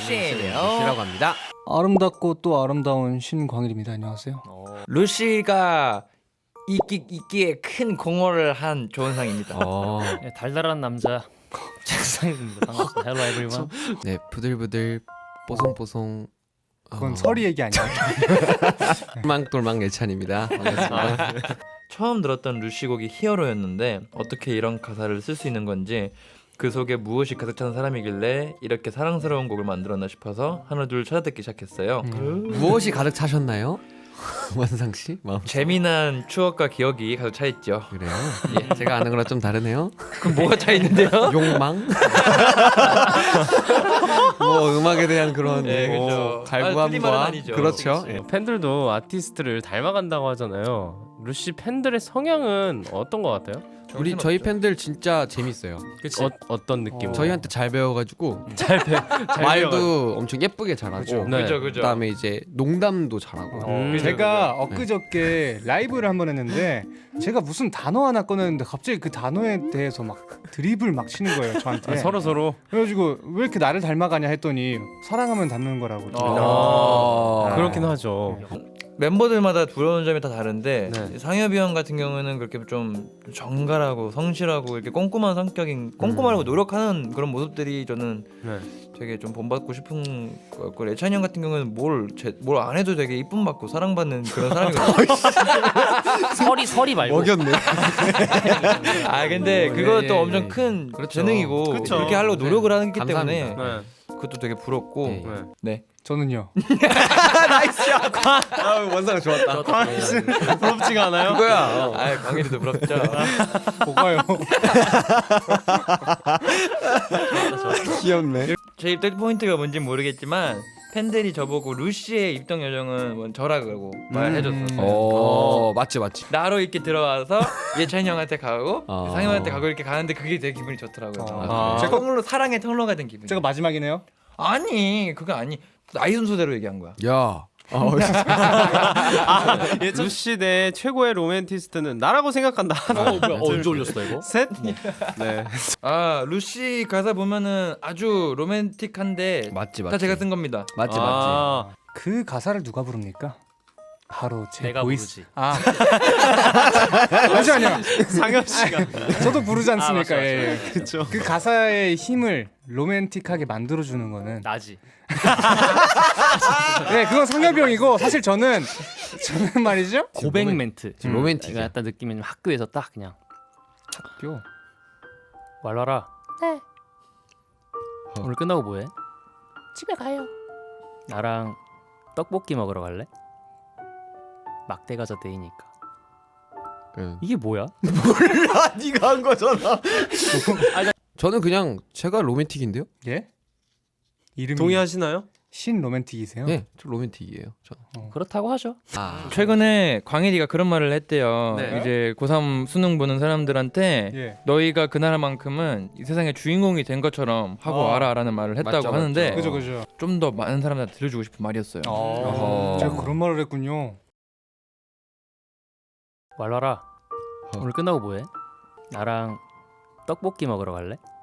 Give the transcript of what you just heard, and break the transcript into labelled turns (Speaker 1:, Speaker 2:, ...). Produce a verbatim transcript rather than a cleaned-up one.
Speaker 1: 루시예요.
Speaker 2: 루시라고 합니다.
Speaker 3: 아름답고 또 아름다운 신광일입니다. 안녕하세요.
Speaker 1: 어. 루시가 이기, 이기에 큰 공헌을 한 조은상입니다.
Speaker 2: 어.
Speaker 4: 네, 달달한 남자 책상입니다. 반갑습니다. Hello everyone.
Speaker 2: 네, 부들부들 뽀송뽀송.
Speaker 3: 그건
Speaker 2: 어,
Speaker 3: 서리 얘기 아니야?
Speaker 2: 똘망똘망 예찬입니다. 반갑습니다.
Speaker 1: 처음 들었던 루시 곡이 히어로였는데 어떻게 이런 가사를 쓸 수 있는 건지 그 속에 무엇이 가득 찬 사람이길래 이렇게 사랑스러운 곡을 만들었나 싶어서 하나 둘 찾아듣기 시작했어요.
Speaker 3: 음.
Speaker 2: 무엇이 가득 차셨나요? 원상 씨? 마음.
Speaker 1: 재미난 추억과 기억이 가득 차 있죠.
Speaker 2: 그래요? 예, 제가 아는 거랑 좀 다르네요.
Speaker 1: 그럼 뭐가 차 있는데요?
Speaker 2: 욕망? 뭐 음악에 대한 그런
Speaker 1: 네,
Speaker 2: 뭐
Speaker 1: 그죠. 아, 틀린 말은
Speaker 2: 갈구함과
Speaker 1: 아니죠.
Speaker 2: 그렇죠.
Speaker 1: 그치,
Speaker 2: 예.
Speaker 4: 팬들도 아티스트를 닮아간다고 하잖아요. 루시 팬들의 성향은 어떤 것 같아요?
Speaker 2: 우리 저희 팬들 진짜 재밌어요.
Speaker 4: 어, 어떤 느낌?
Speaker 3: 어.
Speaker 2: 저희한테 잘 배워가지고
Speaker 4: 잘 배, 잘
Speaker 2: 말도 엄청 예쁘게 잘하고
Speaker 3: 그죠.
Speaker 4: 네.
Speaker 1: 그죠 그죠.
Speaker 2: 그다음에 이제 농담도 잘하고
Speaker 4: 음.
Speaker 1: 그죠,
Speaker 3: 제가
Speaker 1: 그죠.
Speaker 3: 엊그저께 라이브를 한 번 했는데 제가 무슨 단어 하나 꺼냈는데 갑자기 그 단어에 대해서 막 드립을 막 치는 거예요 저한테.
Speaker 4: 아, 서로 서로.
Speaker 3: 그래가지고 왜 이렇게 나를 닮아가냐 했더니 사랑하면 닮는 거라고.
Speaker 1: 아.
Speaker 4: 아, 그렇긴 하죠.
Speaker 1: 멤버들마다 부러운 점이 다 다른데
Speaker 4: 네.
Speaker 1: 상엽이 형 같은 경우는 그렇게 좀 정갈하고 성실하고 이렇게 꼼꼼한 성격인 꼼꼼하고 노력하는 그런 모습들이 저는
Speaker 4: 네.
Speaker 1: 되게 좀 본받고 싶은 것 같고 예찬이 형 같은 경우는 뭘 뭘 안 해도 되게 이쁨 받고 사랑받는 그런 사람이거든요.
Speaker 4: 설이 설이 말고.
Speaker 2: 먹였네.
Speaker 1: 아 근데
Speaker 2: 오,
Speaker 1: 그것도
Speaker 2: 예, 예,
Speaker 1: 엄청
Speaker 2: 예.
Speaker 1: 큰
Speaker 2: 그렇죠.
Speaker 1: 재능이고
Speaker 4: 그쵸.
Speaker 1: 그렇게 하려고 노력을 하기 때문에
Speaker 2: 감사합니다.
Speaker 4: 네.
Speaker 1: 그것도 되게 부럽고
Speaker 2: 예.
Speaker 4: 네.
Speaker 1: 네.
Speaker 3: 저는요.
Speaker 2: 아, 원상 좋았다.
Speaker 4: 부럽지가 않아요?
Speaker 2: 그거야.
Speaker 1: 아 광일이도 부럽죠.
Speaker 3: 뭐가요?
Speaker 2: 귀엽네.
Speaker 1: 제 입덕 포인트가 뭔지 모르겠지만 팬들이 저보고 루시의 입덕 요정은 뭐 저라고 말해줬었어요.
Speaker 2: 어, 맞지 맞지.
Speaker 1: 나로 이렇게 들어와서 예찬이 형한테 가고
Speaker 2: 어.
Speaker 1: 상현한테 가고 이렇게 가는데 그게 되게 기분이 좋더라고요.
Speaker 3: 아.
Speaker 1: 제가 통로 사랑의 통로가 된 기분.
Speaker 3: 제가 마지막이네요.
Speaker 1: 아니 그거 아니 나이 순서대로 얘기한 거야.
Speaker 2: 야. 어,
Speaker 4: 루시 내 최고의 로맨티스트는 나라고 생각한다. 어, 뭐야? 언제 올렸어 이거? 셋. 네.
Speaker 1: 아 루시 가사 보면은 아주 로맨틱한데
Speaker 2: 맞지
Speaker 1: 다
Speaker 2: 맞지.
Speaker 1: 제가 쓴 겁니다.
Speaker 2: 맞지 맞지.
Speaker 4: 아,
Speaker 3: 그 가사를 누가 부릅니까? 바로 제
Speaker 4: 내가
Speaker 3: 보이스.
Speaker 4: 부르지.
Speaker 3: 아. 잠시만요.
Speaker 4: 상엽 씨가.
Speaker 3: 저도 부르지 않습니까?
Speaker 4: 아, 맞죠, 맞죠.
Speaker 3: 예, 예.
Speaker 4: 그렇죠.
Speaker 3: 그 가사의 힘을 로맨틱하게 만들어주는 거는
Speaker 4: 나지.
Speaker 3: 네 그건 상엽이 형이고 사실 저는 저는 말이죠
Speaker 4: 고백 멘트.
Speaker 2: 지금 로맨틱이야.
Speaker 4: 내가 약간 느낌이 좀 학교에서 딱 그냥
Speaker 3: 학교
Speaker 4: 말라라. 네. 오늘 끝나고 뭐해? 집에 가요. 나랑 떡볶이 먹으러 갈래? 막대 가자 데이니까.
Speaker 2: 응.
Speaker 4: 이게 뭐야?
Speaker 2: 네가 한 거잖아. 저는 그냥 제가 로맨틱인데요.
Speaker 3: 예 이름이
Speaker 4: 동의하시나요?
Speaker 3: 신 로맨틱이세요?
Speaker 2: 네, 저 로맨틱이에요. 저.
Speaker 4: 그렇다고 하죠.
Speaker 2: 아.
Speaker 1: 최근에 광일이가 그런 말을 했대요.
Speaker 4: 네.
Speaker 1: 이제 고삼 수능 보는 사람들한테
Speaker 3: 예.
Speaker 1: 너희가 그날만큼은 이 세상의 주인공이 된 것처럼 하고
Speaker 3: 어.
Speaker 1: 와라라는 말을 했다고
Speaker 2: 맞죠,
Speaker 1: 하는데
Speaker 2: 맞죠.
Speaker 3: 그죠 그죠.
Speaker 1: 좀 더 많은 사람들한테 들려주고 싶은 말이었어요.
Speaker 3: 어. 제가 그런 말을 했군요.
Speaker 4: 말라라.
Speaker 2: 어.
Speaker 4: 오늘 끝나고 뭐해? 나랑 떡볶이 먹으러 갈래?